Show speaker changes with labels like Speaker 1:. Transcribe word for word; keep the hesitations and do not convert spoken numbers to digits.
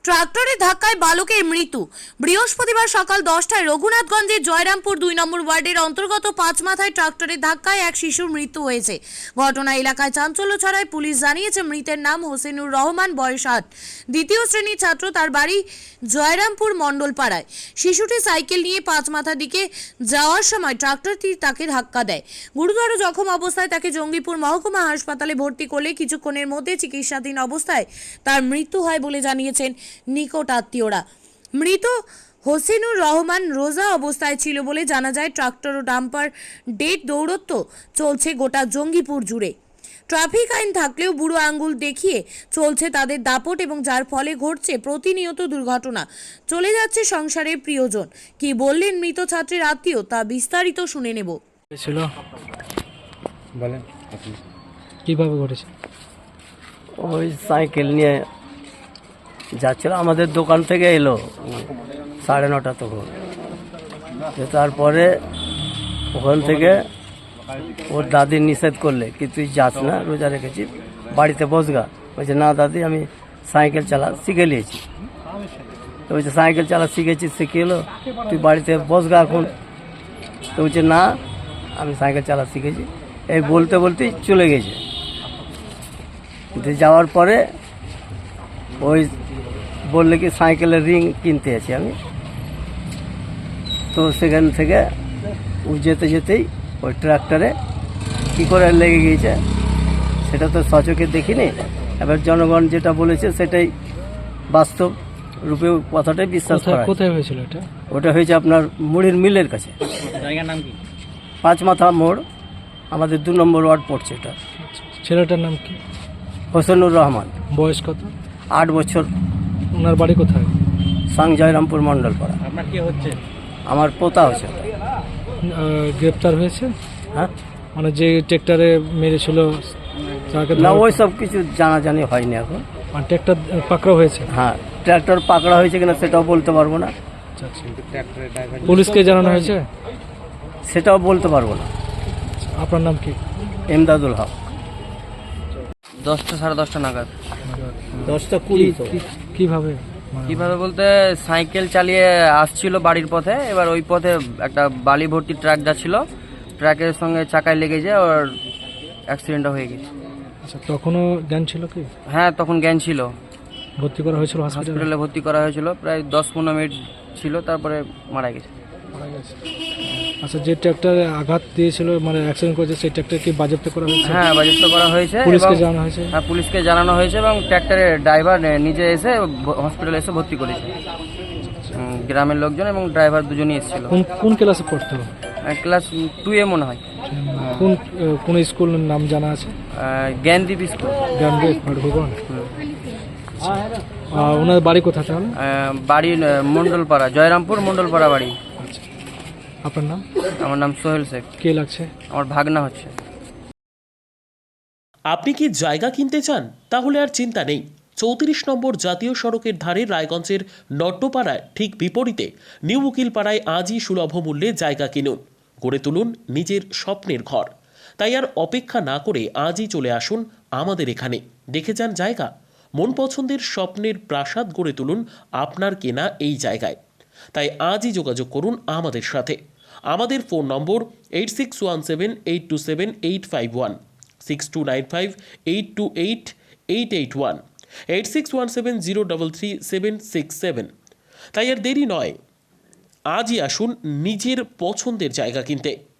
Speaker 1: ট্রাক্টরের ধাক্কায় বালকের মৃত্যু। বৃহস্পতিবার সকাল দশটায় রঘুনাথগঞ্জের জয়রামপুর দুই নম্বর ওয়ার্ডের অন্তর্গত পাঁচ মাথায় ট্রাক্টরের ধাক্কায় এক শিশুর মৃত্যু হয়েছে। ঘটনা এলাকায় চাঞ্চল্য ছড়ায়। পুলিশ জানিয়েছে মৃতের নাম হোসেনুর রহমান, বয়স আট, দ্বিতীয় শ্রেণীর ছাত্র। তার বাড়ি জয়রামপুর মণ্ডলপাড়ায়। শিশুটি সাইকেল নিয়ে পাঁচ মাথার দিকে যাওয়ার সময় ট্রাক্টরটি তাকে ধাক্কা দেয়। গুরুতর জখম অবস্থায় তাকে জঙ্গিপুর মহকুমা হাসপাতালে ভর্তি করলে কিছুক্ষণের মধ্যে চিকিৎসাধীন অবস্থায় তার মৃত্যু হয় বলে জানিয়েছেন নিকট আত্মীয়রা। মৃত হোসেনুর রহমান রোজা অবস্থায় ছিল বলে জানা যায়। ট্রাক্টর ও ডাম্পার ডেট দৌরত্ব চলছে গোটা জঙ্গিপুর জুড়ে। ট্রাফিক আইন থাকলেও বুড়ো আঙ্গুল দেখিয়ে চলছে তাদের দাপট, এবং যার ফলে ঘটছে প্রতিনিয়ত দুর্ঘটনা। চলে যাচ্ছে সংসারের প্রিয়জন। কি বললেন মৃত ছাত্রের আত্মীয়, তা বিস্তারিত শুনে নেব।
Speaker 2: ছিল
Speaker 3: বলেন
Speaker 2: কিভাবে ঘটেছে?
Speaker 3: ওই সাইকেল নিয়ে যাচ্ছিল, আমাদের দোকান থেকে এলো সাড়ে নটা তখন। তারপরে ওখান থেকে ওর দাদি নিষেধ করলে কি তুই যাস না, রোজা রেখেছি, বাড়িতে বসগা। বলছে না দাদি, আমি সাইকেল চালা শিখে নিয়েছি। তো বলছে সাইকেল চালা শিখেছি, শিখে এলো, তুই বাড়িতে বসগা এখন। তো বলছে না, আমি সাইকেল চালা শিখেছি। এই বলতে বলতেই চলে গেছে। যাওয়ার পরে ওই বললে কি সাইকেলের রিং কিনতে আছি আমি। তো সেখান থেকে ও যেতে যেতেই ওই ট্রাক্টরে কী করে লেগে গিয়েছে সেটা তো সচক্ষে দেখিনি। এবার জনগণ যেটা বলেছে সেটাই বাস্তব রূপে কথাটাই বিশ্বাস করা।
Speaker 2: কোথায় হয়েছিল এটা?
Speaker 3: ওটা হয়েছে আপনার মুড়ির মিলের কাছে।
Speaker 2: জায়গার নাম কি?
Speaker 3: পাঁচ মাথা মোড়, আমাদের দু নম্বর ওয়ার্ড পড়ছে এটা।
Speaker 2: ছেলেটার নাম কি?
Speaker 3: হোসেনুর রহমান।
Speaker 2: বয়স কত?
Speaker 3: আট বছর।
Speaker 2: ওনার বাড়ি কোথায়?
Speaker 3: সাং জয়রামপুর মণ্ডলপাড়া।
Speaker 2: আপনার কি হচ্ছে?
Speaker 3: আমার পোতা হচ্ছে।
Speaker 2: গ্রেপ্তার হয়েছে?
Speaker 3: হ্যাঁ,
Speaker 2: মানে যে ট্রেক্টরে মেরেছিল তাকে?
Speaker 3: না, ওই সব কিছু জানাজানি হয়নি এখন।
Speaker 2: আর ট্রেক্টর পাকড়া হয়েছে?
Speaker 3: হ্যাঁ, ট্র্যাক্টর পাকড়া হয়েছে কিনা সেটাও বলতে পারবো না।
Speaker 2: পুলিশকে জানানো হয়েছে?
Speaker 3: সেটাও বলতে পারবো না।
Speaker 2: আপনার নাম কি?
Speaker 3: এমদাদুল হক।
Speaker 4: দশটা সাড়ে দশটা নাগাদ।
Speaker 3: দশটা কুড়ি।
Speaker 2: কিভাবে?
Speaker 4: কিভাবে বলতে, সাইকেল চালিয়ে আসছিল বাড়ির পথে। এবার ওই পথে একটা বালি ভর্তি ট্রাক যাচ্ছিল, ট্রাকের সঙ্গে চাকায় লেগেছে, ওর অ্যাক্সিডেন্টটা হয়ে গেছে।
Speaker 2: আচ্ছা, তখনও জ্ঞান ছিল কি?
Speaker 4: হ্যাঁ, তখন জ্ঞান ছিল।
Speaker 2: ভর্তি করা হয়েছিল হসপিটালে?
Speaker 4: হসপিটালে ভর্তি করা হয়েছিল, প্রায় দশ পনেরো মিনিট ছিল, তারপরে মারা গেছে।
Speaker 2: মারা গেছে। আচ্ছা, যে ট্রাক্টরে আঘাত দিয়েছিল, মানে অ্যাক্সিডেন্ট করেছে, সেই ট্রাক্টর কি বাজেয়াপ্ত করা হয়েছে?
Speaker 4: হ্যাঁ, বাজেয়াপ্ত করা হয়েছে।
Speaker 2: পুলিশকে
Speaker 4: এবং-
Speaker 2: জানানো হয়েছে?
Speaker 4: হ্যাঁ, পুলিশকে জানানো হয়েছে এবং ট্র্যাক্টরের ড্রাইভার নিজে এসে হসপিটালে এসে ভর্তি করেছে। উম, গ্রামের লোকজন এবং ড্রাইভার দুজনই এসেছিল।
Speaker 2: কোন কোন ক্লাসে পড়তো?
Speaker 4: ক্লাস টু এ মনে হয়।
Speaker 2: কোন কোন স্কুলের নাম জানা আছে?
Speaker 4: আহ, জ্ঞানদীপ স্কুল।
Speaker 2: জ্ঞানদীপ ভগবান। ওনার বাড়ি কোথায় তাহলে?
Speaker 4: আহ, বাড়ি আহ, মণ্ডলপাড়া, জয়রামপুর মণ্ডলপাড়া বাড়ি।
Speaker 2: আচ্ছা, আপনার নাম?
Speaker 4: আমার নাম সোহেল শেখ।
Speaker 2: কে লাগছে?
Speaker 4: আমার ভাগনা হচ্ছে।
Speaker 5: আপনি কি জায়গা কিনতে চান? তাহলে আর চিন্তা নেই। চৌত্রিশ নম্বর জাতীয় সড়কের ধারে রায়গঞ্জের নট্টপাড়ায় ঠিক বিপরীতে নিউ উকিলপাড়ায় আজই সুলভ মূল্যে জায়গা কিনুন, গড়ে তুলুন নিজের স্বপ্নের ঘর। তাই আর অপেক্ষা না করে আজই চলে আসুন আমাদের এখানে, দেখে যান জায়গা। মন পছন্দের স্বপ্নের প্রাসাদ গড়ে তুলুন আপনার কেনা এই জায়গায়। তাই আজই যোগাযোগ করুন আমাদের সাথে। আমাদের phone number eight six one seven eight two seven eight five one, six two nine five eight two eight eight eight one, eight six one seven zero double three seven six seven. তাই আর দেরি নয়, আজই আসুন নিজের পছন্দের জায়গা কিনতে।